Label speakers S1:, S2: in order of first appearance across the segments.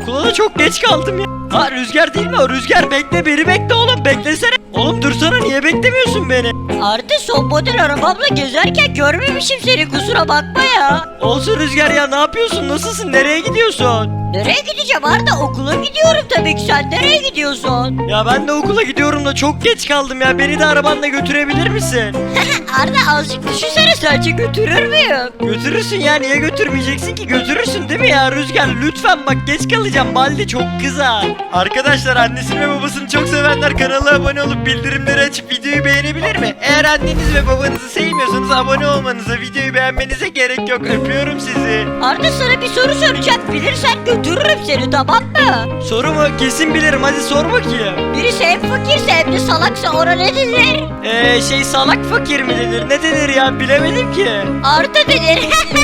S1: okula da çok geç kaldım ya. Ha Rüzgar değil mi o? Rüzgar bekle, beni bekle oğlum, beklesene. Oğlum dursana, niye beklemiyorsun beni?
S2: Arda son model arabamla gezerken görmemişim seni, kusura bakma ya.
S1: Olsun Rüzgar ya, ne yapıyorsun, nasılsın, nereye gidiyorsun?
S2: Nereye gideceğim Arda, okula gidiyorum tabii ki, sen nereye gidiyorsun?
S1: Ya ben de okula gidiyorum da çok geç kaldım ya, beni de arabanla götürebilir misin?
S2: Arda azıcık düşünsene, sence götürür müyüm?
S1: Götürürsün ya, niye götürmeyeceksin ki, götürürsün değil mi ya Rüzgar? Lütfen bak, geç kalacağım, Baldi çok kızar. Arkadaşlar, annesini ve babasını çok sevenler kanala abone olup bildirimleri açıp videoyu beğenebilir mi? Eğer anneniz ve babanızı sevmiyorsanız abone olmanıza, videoyu beğenmenize gerek yok. Öpüyorum sizi.
S2: Arda sana bir soru soracağım, bilirsen götürürüm seni, tamam mı?
S1: Soru mu? Kesin bilirim, hadi sor bakayım.
S2: Birisi hem fakirse hem de salaksa ona ne denir?
S1: Salak fakir mi denir? Ne denir ya, bilemedim ki.
S2: Arda denir.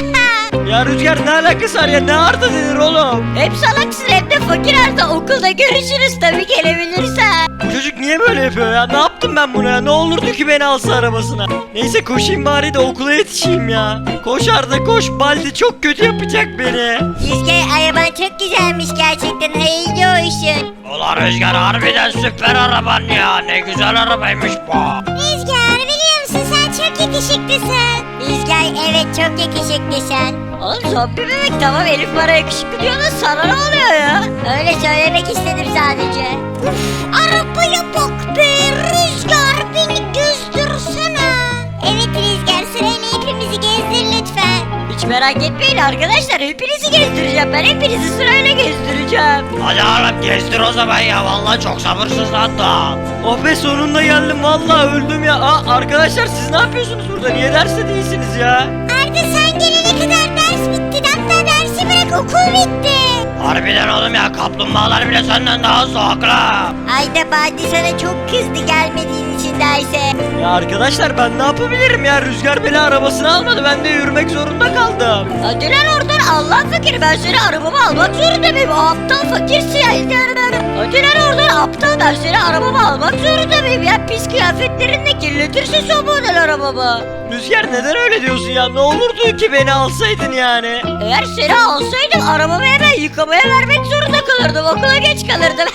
S1: Ya Rüzgar, ne alakası var ya, ne Arda denir oğlum?
S2: Hem salaksın hem de fakir Arda, okulda görüşürüz tabii, gelebilirsen.
S1: Bu çocuk niye böyle yapıyor ya? Ne yaptım ben buna ya? Ne olurdu ki beni alsa arabasına? Neyse koşayım bari de okula yetişeyim ya. Koş Arda koş, Baldi çok kötü yapacak beni.
S2: Rüzgar, araban çok güzelmiş gerçekten, hayırlı olsun.
S1: Ulan Rüzgar, harbiden süper araban ya. Ne güzel arabaymış bu.
S2: Rüzgar, biliyor musun sen çok yakışıklısın. Rüzgar, evet çok yakışıklısın. Oğlum zombi bebek tamam, Elif bana yakışıklı diyor da sana ne oluyor ya? Öyle söylemek istedim sadece. Uf, arabaya bak be Rüzgar, beni gezdirsene. Evet Rüzgar, sırayla hepimizi gezdir lütfen. Hiç merak etmeyin arkadaşlar, hepinizi gezdireceğim, ben hepinizi sırayla gezdireceğim.
S1: Hadi oğlum gezdir o zaman ya. Vallahi çok sabırsızlandım. Oh be, sonunda geldim. Vallahi öldüm ya. Arkadaşlar siz ne yapıyorsunuz burada? Niye derste değilsiniz ya?
S2: Arda sen gelene kadar ders bitti, hatta dersi bırak, okul bitti.
S1: Harbiden oğlum ya, kaplumbağalar bile senden daha hızlı, haklı.
S2: Ayda Baldi sana çok kızdı gelmediğin için derse.
S1: Ya arkadaşlar, ben ne yapabilirim ya? Rüzgar beni arabasına almadı. Ben de yürümek zorunda kaldım.
S2: Hadi lan oradan, Allah fakir, ben seni arabama almak zorunda mıyım? O aptal fakirsin ya. Hadi lan oradan aptal, ben seni arabama almak zorunda mıyım ya? Pis kıyafetlerinle kirletirsin son model arabamı.
S1: Rüzgar, neden öyle diyorsun ya? Ne olurdu ki beni alsaydın yani?
S2: Eğer seni alsaydım arabamı hemen yıkamaya vermek zorunda kalırdım, okula geç kalırdım.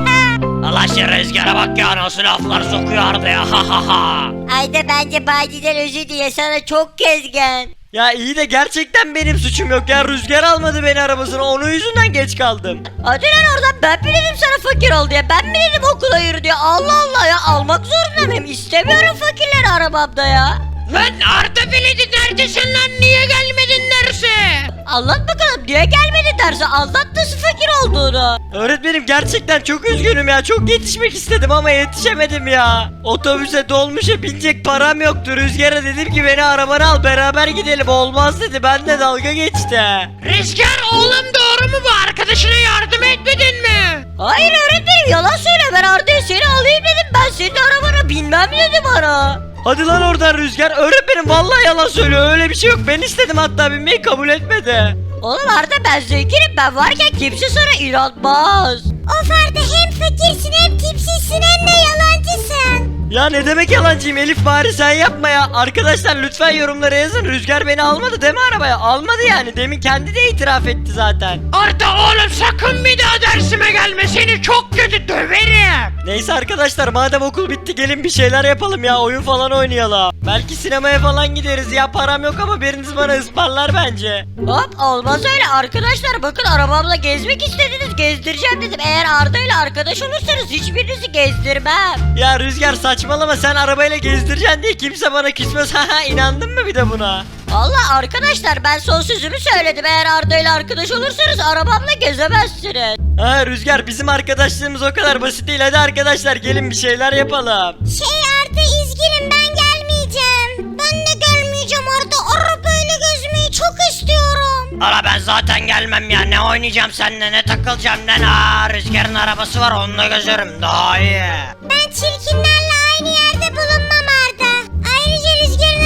S1: Allah şu Rüzgar'a bak ya, nasıl laflar sokuyordu ya, ha ha ha.
S2: Ayda bence Baldi'den özür diye, sana çok kızgın.
S1: Ya iyi de gerçekten benim suçum yok ya. Rüzgar almadı beni arabasına, onun yüzünden geç kaldım.
S2: Hadi lan oradan, ben mi dedim sana fakir ol diye, ben mi dedim okula yürü diye, Allah Allah ya, almak zorunda mıyım? İstemiyorum fakirleri arabamda ya.
S1: Lan Arda Veledi, neredesin lan, niye gelmedin derse?
S2: Anlat bakalım, niye gelmedi derse, anlat nasıl fakir olduğunu.
S1: Öğretmenim, gerçekten çok üzgünüm ya. Çok yetişmek istedim ama yetişemedim ya. Otobüse, dolmuşa binecek param yoktu. Rüzgar'a dedim ki beni arabana al, beraber gidelim. Olmaz dedi, ben de dalga geçti. Rüzgar oğlum, doğru mu bu? Arkadaşına yardım etmedin mi?
S2: Hayır öğretmenim, yalan söyle, ben Arda'ya seni alayım dedim, ben senin arabana binmem dedi bana.
S1: Hadi lan oradan Rüzgar. Öğretmenim vallahi yalan söylüyor, öyle bir şey yok. Ben istedim, hatta binmeyi kabul etmedi.
S2: Oğlum Arda, ben zenginim, ben varken kimse sana inanmaz. Of Arda, hem fakirsin hem tipsizsin hem de yalancısın.
S1: Ya ne demek yalancıyım Elif, bari sen yapma ya. Arkadaşlar lütfen yorumlara yazın. Rüzgar beni almadı değil mi arabaya? Almadı yani. Demin kendi de itiraf etti zaten. Arda oğlum, sakın bir daha dersime gelme. Seni çok kötü döverim. Neyse arkadaşlar, madem okul bitti gelin bir şeyler yapalım ya. Oyun falan oynayalım. Belki sinemaya falan gideriz ya. Param yok ama biriniz bana ısmarlar bence.
S2: Hop, olmaz öyle arkadaşlar, bakın arabamla gezmek istediniz, gezdireceğim dedim. Eğer Arda ile arkadaş olursanız hiçbirinizi gezdirmem.
S1: Ya Rüzgar saçmalama, sen arabayla gezdireceksin diye kimse bana küsmez. Haha, inandın mı bir de buna?
S2: Vallahi arkadaşlar, ben son sözümü söyledim, eğer Arda ile arkadaş olursanız arabamla gezemezsiniz.
S1: Ha Rüzgar, bizim arkadaşlığımız o kadar basit değil. Hadi arkadaşlar gelin bir şeyler yapalım.
S2: Arda, üzgünüm, ben gelmeyeceğim. Ben de gelmeyeceğim Arda, arabayla gezmeyi çok istiyorum.
S1: Ara ben zaten gelmem ya, ne oynayacağım seninle, ne takılacağım lan. Aa, Rüzgar'ın arabası var, onunla gezerim daha iyi.
S2: Ben çirkinlerle aynı yerde bulunmam Arda. Ayrıca Rüzgar'ın arabası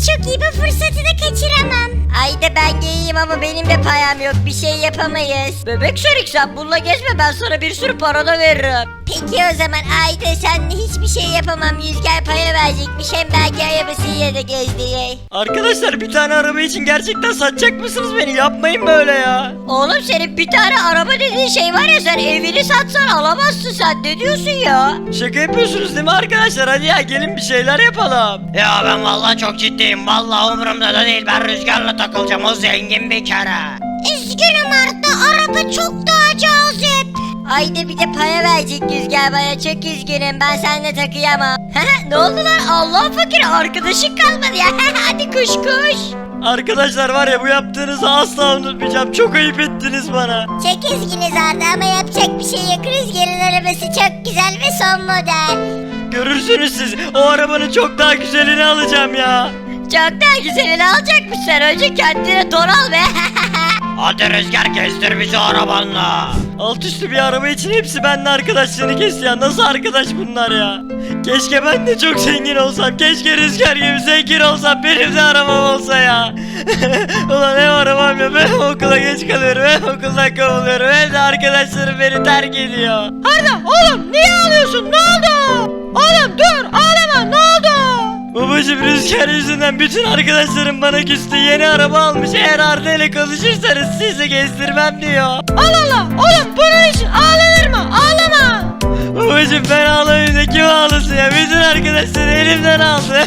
S2: çok iyi, bu fırsatı da kaçıramam. Ayda ben giyeyim ama benim de payam yok, bir şey yapamayız.
S3: Bebek Sonic sen bununla gezme, ben sana bir sürü para da veririm.
S2: Peki o zaman Ayda senle hiçbir şey yapamam, Rüzgar paya verecekmiş, hem belki arabasıyla da gezdirir.
S1: Arkadaşlar bir tane araba için gerçekten satacak mısınız beni? Yapmayın böyle ya.
S3: Oğlum senin bir tane araba dediğin şey var ya, sen evini satsan alamazsın, sen ne diyorsun ya?
S1: Şaka yapıyorsunuz değil mi arkadaşlar? Hadi ya gelin bir şeyler yapalım.
S4: Ya ben vallahi çok ciddiyim. Vallahi umurumda da değil. Ben Rüzgar'la takılacağım. O zengin bir kere.
S2: Üzgünüm Arda, araba çok daha cazip.
S3: Ayda bir de para verecek Rüzgar bana, çok üzgünüm, ben seninle takıyamam. Ne oldu lan, Allah fakir arkadaşın kalmadı ya. Hadi kuş kuş.
S1: Arkadaşlar var ya bu yaptığınızı asla unutmayacağım. Çok ayıp ettiniz bana.
S2: Çok üzgünüz Arda ama yapacak bir şey yok. Rüzgar'ın arabası çok güzel ve son model.
S1: Görürsünüz siz. O arabanın çok daha güzelini alacağım ya.
S3: Çok daha güzelini alacakmış, sen önce kendine don al be.
S4: Hadi Rüzgar gezdir bizi arabanla.
S1: Alt üstü bir araba için hepsi benimle arkadaşlığını kesti ya. Nasıl arkadaş bunlar ya? Keşke ben de çok zengin olsam. Keşke Rüzgar gibi zengin olsam. Benim de arabam olsa ya. Ulan hem arabam ya. Ben okula geç kalıyorum. Hem okuldan kovuluyorum. Hem de arkadaşlarım beni terk ediyor.
S3: Arda oğlum niye ağlıyorsun, ne oldu? Oğlum dur ağlama, ne oldu?
S1: Babacım Rüzgar yüzünden bütün arkadaşlarım bana küstü. Yeni araba almış. Eğer Arda ile konuşursanız sizi gezdirmem diyor.
S3: Allah Allah oğlum, bunun için ağlanır mı? Ağlama.
S1: Babacım ben ağlamayayım da kim ağlasın ya? Bütün arkadaşları elimden aldı.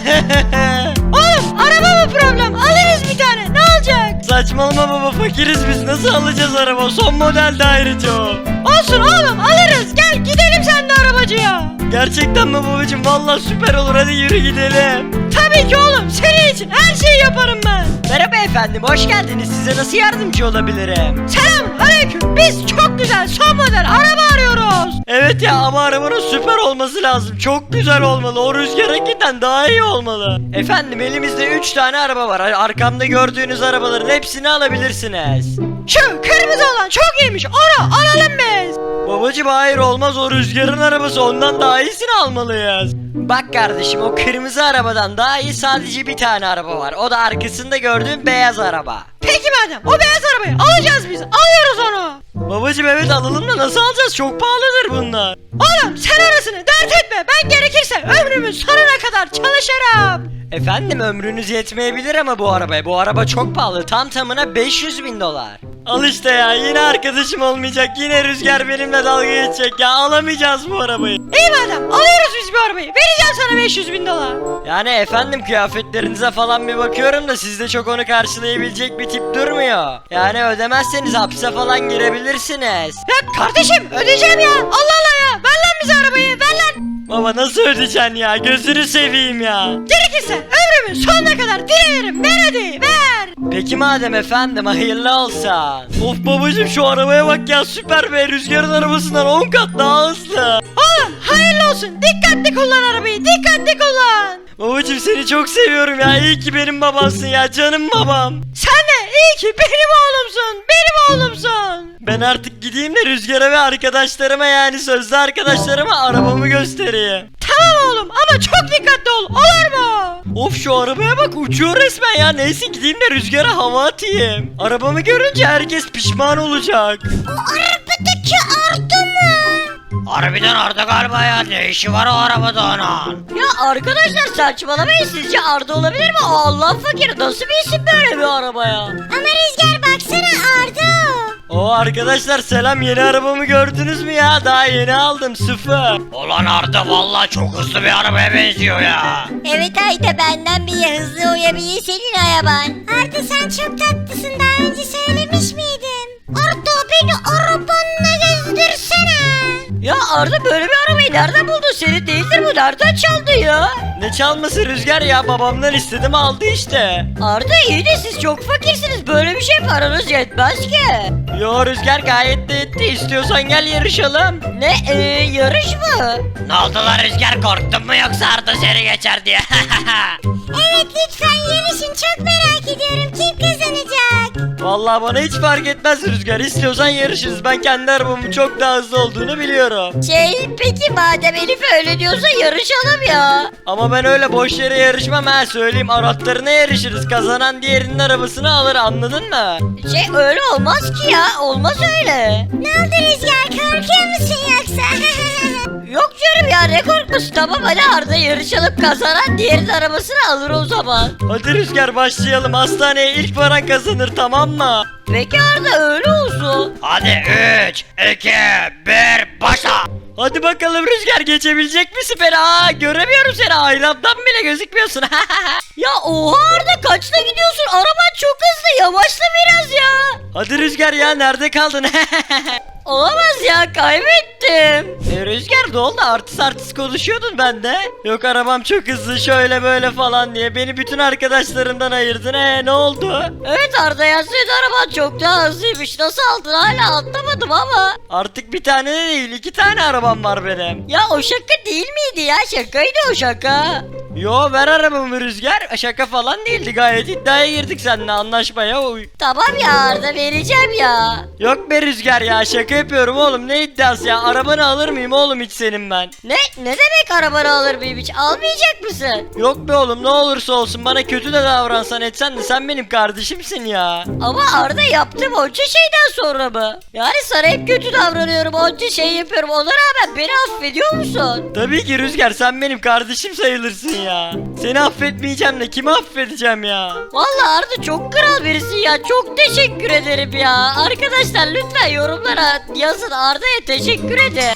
S3: Oğlum araba mı problem? Alırız bir tane, ne olacak?
S1: Saçmalama baba, fakiriz biz, nasıl alacağız araba? Son model de ayrıca o.
S3: Olsun oğlum, alırız, gel gidelim seninle arabacıya.
S1: Gerçekten mi babacım? Vallahi süper olur, hadi yürü gidelim.
S3: Tabii ki oğlum, senin için her şeyi yaparım ben.
S1: Merhaba efendim, hoş geldiniz. Size nasıl yardımcı olabilirim?
S3: Selam aleyküm, biz çok güzel son model araba arıyoruz.
S1: Evet ya, ama arabanın süper olması lazım. Çok güzel olmalı. O Rüzgar'ınkinden daha iyi olmalı. Efendim elimizde 3 tane araba var. Arkamda gördüğünüz arabaların hepsini alabilirsiniz.
S3: Şu kırmızı olan çok iyiymiş, onu alalım biz.
S1: Babacım hayır, olmaz, o Rüzgar'ın arabası, ondan daha iyisini almalıyız. Bak kardeşim, o kırmızı arabadan daha iyi sadece bir tane araba var. O da arkasında gördüğün beyaz araba.
S3: Peki madem o beyaz arabayı alacağız biz, alıyoruz onu.
S1: Babacım evet alalım da nasıl alacağız? Çok pahalıdır bunlar.
S3: Oğlum sen arasını dert etme, ben gerekirse ömrümün sonuna kadar çalışırım.
S1: Efendim ömrünüz yetmeyebilir ama bu arabaya. Bu araba çok pahalı. Tam tamına 500 bin dolar. Al işte ya, yine arkadaşım olmayacak. Yine Rüzgar benimle dalga geçecek ya. Alamayacağız bu arabayı.
S3: İyi madem alıyoruz biz bu arabayı, vereceğim sana 500 bin dolar.
S1: Yani efendim kıyafetlerinize falan bir bakıyorum da sizde çok onu karşılayabilecek bir tip durmuyor. Yani ödemezseniz hapse falan girebilirsiniz.
S3: Ya kardeşim ödeyeceğim ya, Allah Allah ya, ver lan bize arabayı, ver lan.
S1: Baba nasıl ödeyeceksin ya? Gözünü seveyim ya.
S3: Gerekirse ömrümün sonuna kadar dilerim, ver hadi ver.
S1: Peki madem efendim, hayırlı olsun. Of babacım şu arabaya bak ya, süper be, Rüzgar'ın arabasından 10 kat daha hızlı.
S3: Oğlum hayırlı olsun, dikkatli kullan arabayı, dikkatli kullan.
S1: Babacım seni çok seviyorum ya, iyi ki benim babamsın ya, canım babam.
S3: Sen de iyi ki benim oğlumsun, benim oğlumsun.
S1: Ben artık gideyim de Rüzgar'a ve arkadaşlarıma, yani sözlü arkadaşlarıma arabamı göstereyim.
S3: Tamam oğlum ama çok dikkatli ol, olur mu?
S1: Of şu arabaya bak, uçuyor resmen ya. Neyse gideyim de Rüzgar'a hava atayım. Arabamı görünce herkes pişman olacak.
S2: O arabadaki Arda mı?
S4: Harbiden Arda galiba ya. Ne işi var o arabada onun?
S3: Ya arkadaşlar saçmalamayın, sizce Arda olabilir mi? Allah fakir, nasıl bir isim böyle bir arabaya?
S2: Ama Rüzgar baksana Arda.
S1: O arkadaşlar selam, yeni arabamı gördünüz mü ya? Daha yeni aldım, sıfır.
S4: Ulan Arda vallahi çok hızlı bir arabaya benziyor ya.
S2: Evet Ayda, benden bile hızlı uyabilir senin araban. Arda sen çok tatlısın, daha önce söylemiş miydim? Arda beni arabanla gezdirsene.
S3: Ya Arda böyle bir arabayı nereden buldun? Senin değildir bu, nereden çaldı ya?
S1: Ne çalması Rüzgar ya, babamdan istedim aldı işte.
S3: Arda iyi de siz çok fakirsiniz, böyle bir şey paranız yetmez ki.
S1: Yo Rüzgar gayet de etti, istiyorsan gel yarışalım.
S3: Ne yarış mı?
S4: Ne oldu lan Rüzgar, korktun mu yoksa Arda seni geçer diye?
S2: Evet lütfen yarışın, çok merak ediyorum kim kazanacak.
S1: Vallahi bana hiç fark etmez Rüzgar. İstiyorsan yarışırız. Ben kendi arabamın çok daha hızlı olduğunu biliyorum.
S3: Peki madem Elif öyle diyorsa yarışalım ya.
S1: Ama ben öyle boş yere yarışmam ha, söyleyeyim. Aratlarına yarışırız. Kazanan diğerinin arabasını alır, anladın mı?
S3: Öyle olmaz ki ya, olmaz öyle.
S2: Ne oldu Rüzgar, korkuyor musun yoksa?
S3: Yok canım ya, ne korkması, tamam hadi Arda yarışalım, kazanan diğerinin arabasını alır o zaman.
S1: Hadi Rüzgar başlayalım. Hastaneye ilk varan kazanır, tamam mı?
S3: Peki Arda öyle olsun.
S4: Hadi 3, 2, 1 başla.
S1: Hadi bakalım Rüzgar, geçebilecek misin beni? Aa, göremiyorum seni, ayrandan bile gözükmüyorsun.
S3: Ya oha Arda, kaçta gidiyorsun? Araban çok hızlı, yavaşla biraz ya.
S1: Hadi Rüzgar ya, nerede kaldın?
S3: Olamaz ya, kaybettim.
S1: Rüzgar ne oldu? Artist konuşuyordun bende. Yok arabam çok hızlı şöyle böyle falan diye. Beni bütün arkadaşlarımdan ayırdın. Ne oldu?
S3: Evet Arda ya, senin araban çok daha hızlıymış. Nasıl aldın hala anlamadım ama.
S1: Artık bir tane de değil, 2 tane arabam var benim.
S3: Ya o şaka değil miydi ya? Şakaydı o şaka.
S1: Yo, ver arabamı Rüzgar. Şaka falan değildi, gayet iddiaya girdik seninle, anlaşmaya uy.
S3: Tamam ya Arda, vereceğim ya.
S1: Yok be Rüzgar ya, şaka yapıyorum oğlum, ne iddiası ya? Arabanı alır mıyım oğlum hiç senin ben?
S3: Ne demek arabanı alır mıyım hiç? Almayacak mısın?
S1: Yok be oğlum, ne olursa olsun bana kötü de davransan etsen de sen benim kardeşimsin ya.
S3: Ama Arda, yaptığım onca şeyden sonra mı? Yani sana hep kötü davranıyorum, onca şey yapıyorum, ona rağmen beni affediyor musun?
S1: Tabii ki Rüzgar, sen benim kardeşim sayılırsın ya. Seni affetmeyeceğim de kimi affedeceğim ya?
S3: Vallahi Arda çok kral birisin ya, çok teşekkür ederim ya. Arkadaşlar lütfen yorumlara yazın, Arda'ya teşekkür edin.